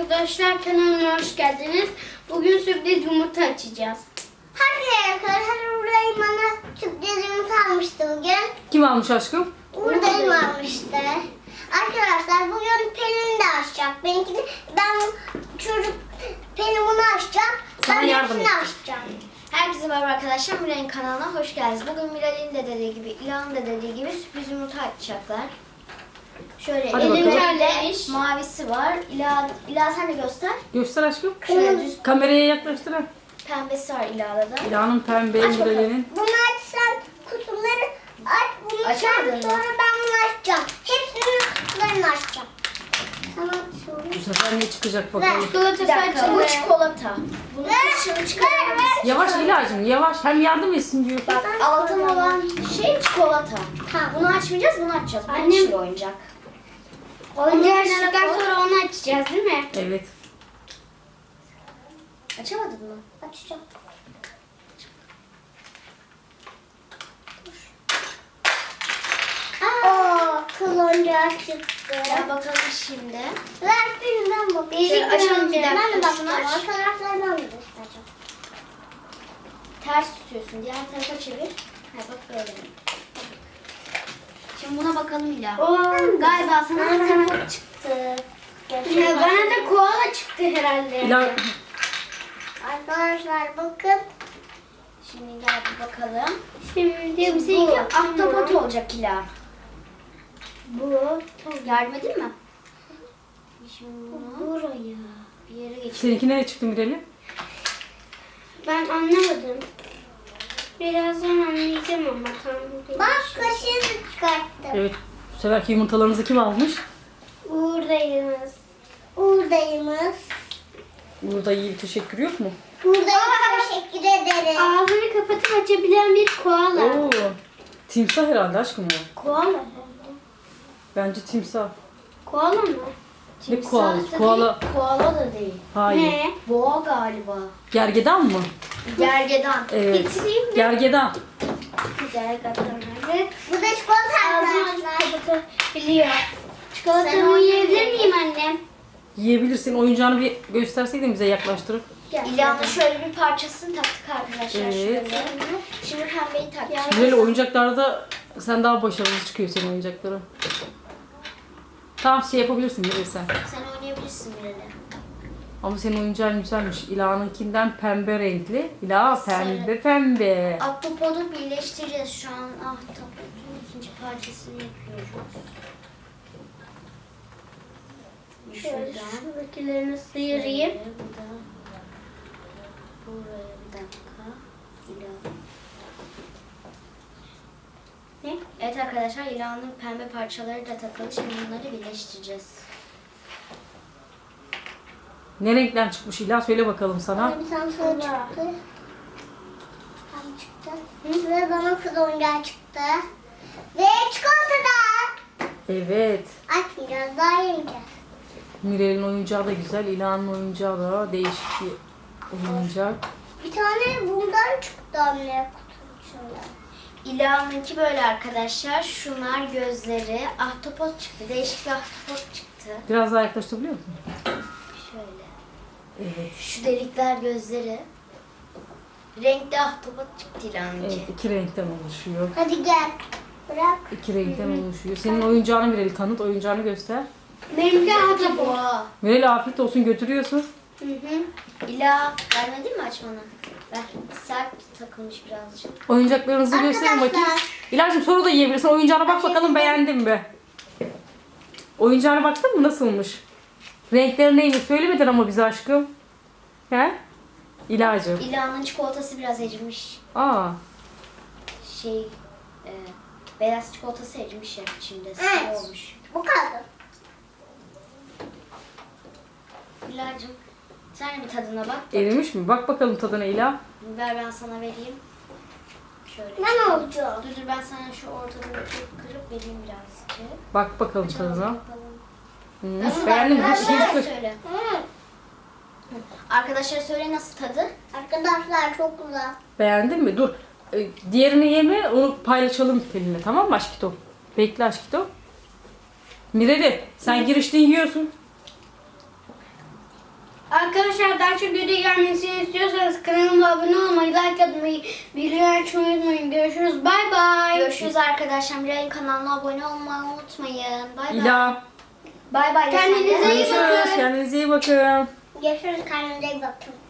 arkadaşlar, kanalıma hoş geldiniz. Bugün sürpriz yumurta açacağız. Hadi arkadaşlar, buradayım, bana sürpriz yumurta almıştı bugün. Kim almış aşkım? Buradayım almıştı. Arkadaşlar bugün Pelin de açacak. Benimkini Pelin bunu açacak. Sana Ben yardım hepsini edeceğim. açacağım. Herkese merhaba arkadaşlar, Miray'ın kanalına hoş geldiniz. Bugün Miray'ın de dediği gibi, İlhan'ın da dediği gibi sürpriz yumurta açacaklar. Şöyle Hadi elinde bakalım. mavisi var. İlah sen de göster. Göster aşkım. Şöyle düz Kameraya yaklaştır ha. pembesi var İlah'da da. İlhan'ın pembe Aç bakalım. Mirel'in. Bunu açsan kutuları aç. Bunu Açamadın sen mı? sonra ben bunu açacağım. Hepsinin kutularını açacağım. Tamam, Bu sefer ne çıkacak bakalım. Çikolata Bir dakika, bu saçlı. çikolata. Bunun dışını çıkarabiliriz. Yavaş İlhan'cığım yavaş. Hem yardım etsin diyorsun. Bak, altın olan şey çikolata. Tamam. Bunu açmayacağız, bunu açacağız. Bu Annem- yeşil oyuncak. Oyuncağı açtıktan sonra onu açacağız değil mi? Evet. Açamadın mı? Açacağım. Kıl oyuncağı çıktı. Gel bakalım şimdi. Ver birinden bak. Şöyle açalım bir dakika, Ben de şunu bakacağım. aç. Arkadaşlar ben de göstereceğim. Ters tutuyorsun. Diğer tarafa çevir. Ha, bak böyle. Şimdi buna bakalım İlah. Galiba sana ahtapot çıktı. Ya bana da koala çıktı herhalde. İlhan Arkadaşlar bakın. Şimdi gel bir bakalım. Şimdi Seninki ahtapot olacak İlah. Bu. Yardım edeyim mi? Şimdi bunu Buraya. bir yere geçir. seninki nereye çıktı Mirel'in? Ben anlamadım. Birazdan anlayacağım ama tam değil. Bak kaşığını çıkarttım. Evet. Bu seferki yumurtalarınızı kim almış? Buradayız. Buradayımız. Burada iyi bir teşekkür yok mu? Buradayız. Teşekkür ederim. Ağzını kapatıp açabilen bir koala. Oo. Timsah herhalde aşkım o. Koala. Bence timsah. Koala mı? Ne Timsah koalası? da Koala. değil, koala da değil. Hayır. Ne? Boğa galiba. Gergedan mı? Gergedan. Evet. Getireyim mi? Gergedan. Gergedan nerede? Bu da çikolata Ağzını arkadaşlar. açıp kapatabiliyor. Sen Çikolatamı onu yiyebilir ye. miyim annem? Yiyebilirsin. Oyuncağını bir gösterseydin bize yaklaştırıp. İlhan'ın şöyle bir parçasını taktık arkadaşlar. Evet. Şöyle. Şimdi pembeyi takacağız. Böyle oyuncaklarda sen daha başarılı çıkıyor senin oyuncakların. Tamam şey yapabilirsin Mirel sen. Sen oynayabilirsin Mirel'e. Ama senin oyuncağın güzelmiş. İla'nınkinden pembe renkli. İla pembe pembe. Ahtapotu birleştireceğiz. Şu an ahtapotun ikinci parçasını yapıyoruz. Şöyle Şuradan. şuradakilerini sıyırayım. Şöyle, bu da buraya bir dakika. İlan. Ne? Evet arkadaşlar, İlan'ın pembe parçaları da takılı. Şimdi bunları birleştireceğiz. Ne renkten çıkmış İla söyle bakalım sana. Bir tane sarı çıktı. Tam çıktı. Ve bana kız oyuncağı çıktı. Ve çikolata da. Evet. Açmayacağız, daha yemeyeceğiz. Mirel'in oyuncağı da güzel. İla'nın oyuncağı da değişik bir oyuncak. Bir tane bundan çıktı anne kutunun içinde. İla'nınki böyle arkadaşlar. Şunlar gözleri. Ahtapot çıktı. Değişik bir ahtapot çıktı. Biraz daha yaklaştırabiliyor musun? Şöyle. Evet. Şu delikler gözleri. Renkli ahtapot çıktı İlhan'ınki. Evet iki renkten oluşuyor. Hadi gel. Bırak. İki renkten oluşuyor. Senin oyuncağını Mirel'i tanıt. Oyuncağını göster. Benimki ahtapot. Boğa. Mirel afiyet olsun götürüyorsun. Hı hı. İla vermedin mi açmanı? Ver. Sert takılmış birazcık. Oyuncaklarınızı gösterin bakayım. Arkadaşlar. İlacım soru da yiyebilirsin. Oyuncağına bak bakalım beğendin mi? Oyuncağına baktın mı nasılmış? Renkleri neymiş söylemedin ama bize aşkım. He? İlacım. İla'nın çikolatası biraz erimiş. Aa. Şey, beyaz çikolatası erimiş ya içinde. Evet. Sıvı olmuş. Bu kaldı. İla'cığım sen de bir tadına bak. Erimiş mi? Bak bakalım tadına İla. Ver ben sana vereyim. Şöyle. Ben olacağım. Dur ben sana şu ortadan kırıp vereyim birazcık. Bak bakalım Açalım tadına. bakalım. Hı. Nasıl Beğendin mi? arkadaşlar İkinci kız. söyle. Hı. Arkadaşlar söyle nasıl tadı? Arkadaşlar çok güzel. Beğendin mi? Dur. Diğerini yeme. Onu paylaşalım Pelin'le. Tamam mı aşkito? Bekle aşkito. Mireli sen girişte yiyorsun. Arkadaşlar daha çok video gelmesini istiyorsanız kanalıma abone olmayı, like atmayı, bildirim açmayı unutmayın. Görüşürüz. Bay bay. Görüşürüz arkadaşlar. Milay'ın kanalına abone olmayı unutmayın. Bay bay. İla. Bay bay. Kendinize iyi bakın. Görüşürüz. Kendinize iyi bakın. Görüşürüz. Kendinize iyi bakın.